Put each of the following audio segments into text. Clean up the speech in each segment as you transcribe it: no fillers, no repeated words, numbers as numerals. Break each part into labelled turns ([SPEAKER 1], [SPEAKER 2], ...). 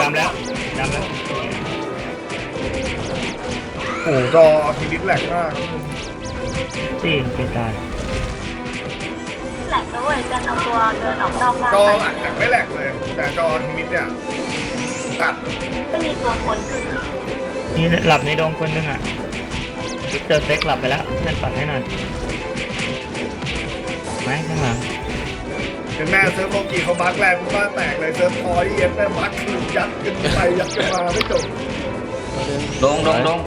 [SPEAKER 1] ดำแล้ว
[SPEAKER 2] โอ้จอทีนิดแหลกมาก
[SPEAKER 1] สี่เป็นตาย
[SPEAKER 3] แหลกด้วยจะเอาตัวเดินออกนอกบ้าน
[SPEAKER 2] จอ
[SPEAKER 3] ไป
[SPEAKER 2] หลักแต่ไม่แหลกเลย แต่จอทีนิดเนี่ยตัด
[SPEAKER 3] ไม่มีตัวคนขึ้น
[SPEAKER 1] นี่หลับในดงคนนึงอ่ะวิกเตอร์เซ็กหลับไปแล้วนั่นปัดให้หน่อยไหมข้างหลัง
[SPEAKER 2] ถึงแม่เซิร์ฟโลกีเขาบักแรงบ้านแตกเลยเซิร์ฟพอยเอ็นแม่บักคือยัดกันไปยัดกันมาไม่จบ
[SPEAKER 4] ลง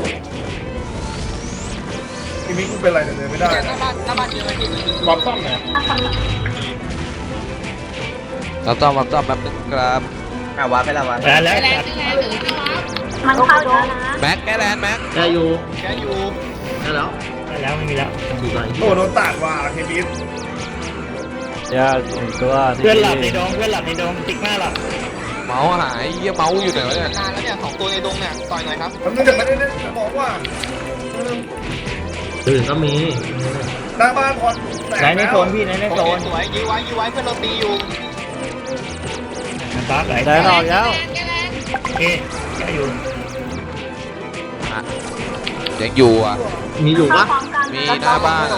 [SPEAKER 2] ทีนี้กูเป็นไรเนี่ยเดินไม่ได้
[SPEAKER 4] หน้าบ้านเยอะไหมพี่
[SPEAKER 2] บอมต้องเนี่ย
[SPEAKER 3] ถ้าคนนี้
[SPEAKER 5] เราต้องแป๊บนึงครับ
[SPEAKER 4] วาร์ปไปแล้ววาร์ป
[SPEAKER 1] แล้ว
[SPEAKER 3] มันเข้าเยอะนะ
[SPEAKER 5] แม็กแกแลนด์แม็ก
[SPEAKER 4] แกอยู่
[SPEAKER 1] แล้วไม่มีแล้ว
[SPEAKER 2] โอ้โดนตัดว่ะทีนิด
[SPEAKER 6] ยากตัว
[SPEAKER 1] เพื่อนหลับในดงติ๊กหน้าหลับ
[SPEAKER 5] เมาส์หายเยี่ยเมาส์อยู่ไหนวะเนี่ย
[SPEAKER 4] นานแล้วเนี่ย2ตัวในดงเนี่ยต่อยหน่อยครับ
[SPEAKER 2] มันจะไม่ได้เล่นจะบอกว่า
[SPEAKER 6] ตื่นก็มี
[SPEAKER 2] หน้าบ้านพอแตก
[SPEAKER 6] ไหนใน
[SPEAKER 2] แล้ว
[SPEAKER 6] โซนพี่ไหนในโซน
[SPEAKER 4] สวยยื้อไว้เพื่อนเราตีอยู่
[SPEAKER 1] มันบักไหล
[SPEAKER 6] ได้ออกแล้ว
[SPEAKER 1] เอ๊ะแกอยู่
[SPEAKER 5] ยังอยู่อ่ะ
[SPEAKER 6] มีอยู่ปะ
[SPEAKER 3] เข้าพร้อมกัน
[SPEAKER 5] มีหน้าบ้าน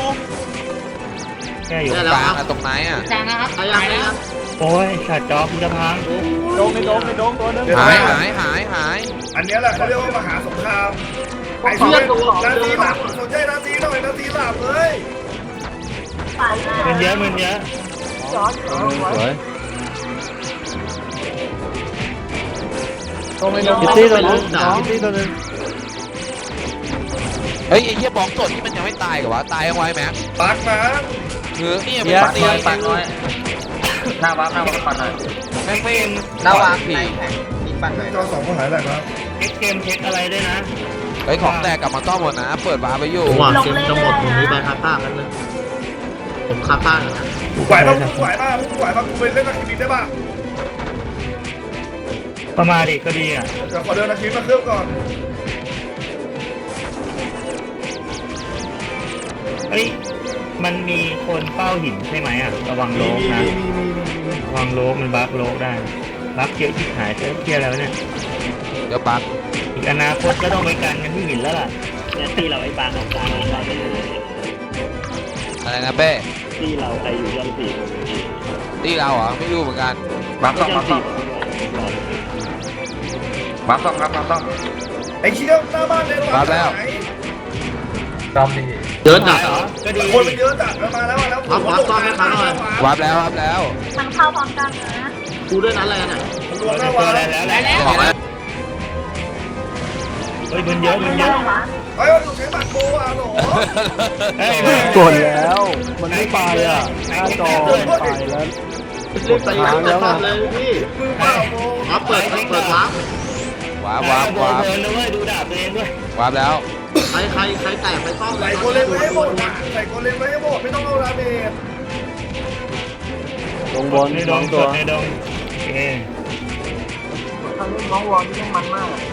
[SPEAKER 1] แกอยู่
[SPEAKER 5] ตรงกลางอะตรงไหนอ่ะ
[SPEAKER 6] พยายามเลยครับ
[SPEAKER 1] โอ้ยขาดจอคุณจะพัง
[SPEAKER 6] โดงในโดงตัวนึง
[SPEAKER 5] หาย
[SPEAKER 2] อันนี้แหละเขาเรียกว่ามหาสงครามไอ้เพื่อนนาทีหลับสนใจนาทีหน่อยนาทีหลับเลย
[SPEAKER 3] ฝ่ายหน้า
[SPEAKER 1] มันเยอะ
[SPEAKER 6] สวยคิตตี้ตัวนึงคิตตี้ตัวนึง
[SPEAKER 5] เฮ้ยไอ้เหี้ยบล็อกสดที่มันยังไม่ตายกับวะตายยังไวแม็ก
[SPEAKER 2] ปักนะ
[SPEAKER 5] คือเนี่ย
[SPEAKER 6] เยอะ
[SPEAKER 5] มันตี
[SPEAKER 4] ปัดน้อยหน้าวาร์ปปัดหน่อย
[SPEAKER 1] แม่งเป็น
[SPEAKER 4] หน้าวาร์ปในแข่งตีปัดหน่อย
[SPEAKER 2] จอสองก็หายแหลกแล้ว
[SPEAKER 1] เช็คเกมเช็คอะไรด้วยนะ
[SPEAKER 5] เฮ้ยของแตกกลับมาซ่อมหมดนะเปิดวาร์ปไปอยู่
[SPEAKER 6] ผมว่าเกมจะหมดผมมีใบคาต้ากันเลยผมคาต้านะ
[SPEAKER 2] ไหวป่ะไหวป่ะไหวป่ะกูไปเล่นนาทีนิดได้ป่ะ
[SPEAKER 1] ประมาณดิก็ดีอ่ะ
[SPEAKER 2] เดี๋ยวขอเดินนาทีมาเครื่องก่อน
[SPEAKER 1] เฮ้ยมันมีคนเฝ้าหินใช่ไหมอ่ะระวังโลกนะระวังโลกมันบักโลกได้บักเยอะที่หายเที่ยแล้วเนี่ย
[SPEAKER 5] เดี๋ยวปัก
[SPEAKER 1] อีกอนาคตก็ต้องไปกันที่หินแล้วล่ะเนี่ยที่เราไอ้บางของกลางเราไปเลย
[SPEAKER 5] อะไรนะเป้
[SPEAKER 1] ที่เราใครอยู่ยันสี่
[SPEAKER 5] ตีเราเหรอไม่รู้เหมือนกัน
[SPEAKER 4] วาร์ปต้อง
[SPEAKER 2] ไอ้เชี่ยวหน้าบ้านเลย
[SPEAKER 5] วาร์ปแล้ว
[SPEAKER 6] เยอะจัด
[SPEAKER 1] เหรอก็ดี
[SPEAKER 2] คนมันเยอะจัดมาแล้วมาแล้ว
[SPEAKER 5] วาร์ปแล้ว
[SPEAKER 3] มันเข้าพร้อมกันนะ
[SPEAKER 6] กูด้วยนั้นอะไรน่ะ
[SPEAKER 2] รวมหน้า
[SPEAKER 1] ตัว
[SPEAKER 2] วา
[SPEAKER 1] อะไร
[SPEAKER 2] แล้ว
[SPEAKER 1] แล้ว
[SPEAKER 5] บอกแล้ว
[SPEAKER 1] เฮ้ยมันเยอะมันเยอะ
[SPEAKER 2] เฮ้ยดูใช้บัตรโบอ่ะหรอ
[SPEAKER 6] กดแล้ว มันไม่ไปอ่ะหน้าจอไปแล้วรีบไปแล้วเลยพี่
[SPEAKER 2] มือเปล่าโบ
[SPEAKER 6] เปิดวาร์ป
[SPEAKER 5] วาร์ป
[SPEAKER 1] เดินด้วยดูดาบตัวเองด้วย
[SPEAKER 5] วาร์ปแล้ว
[SPEAKER 6] ใครแตกไปซ่อม
[SPEAKER 2] ใส่โกเลนไว้ให้หมดใส่โกเลนไว้ให้หมดไม่ต้องเอาดาเมจ
[SPEAKER 6] ตรงบน
[SPEAKER 1] ในดง
[SPEAKER 6] ตัว
[SPEAKER 1] ในดงโอเค
[SPEAKER 3] เขาเล่นน้องวอลที่มันมาก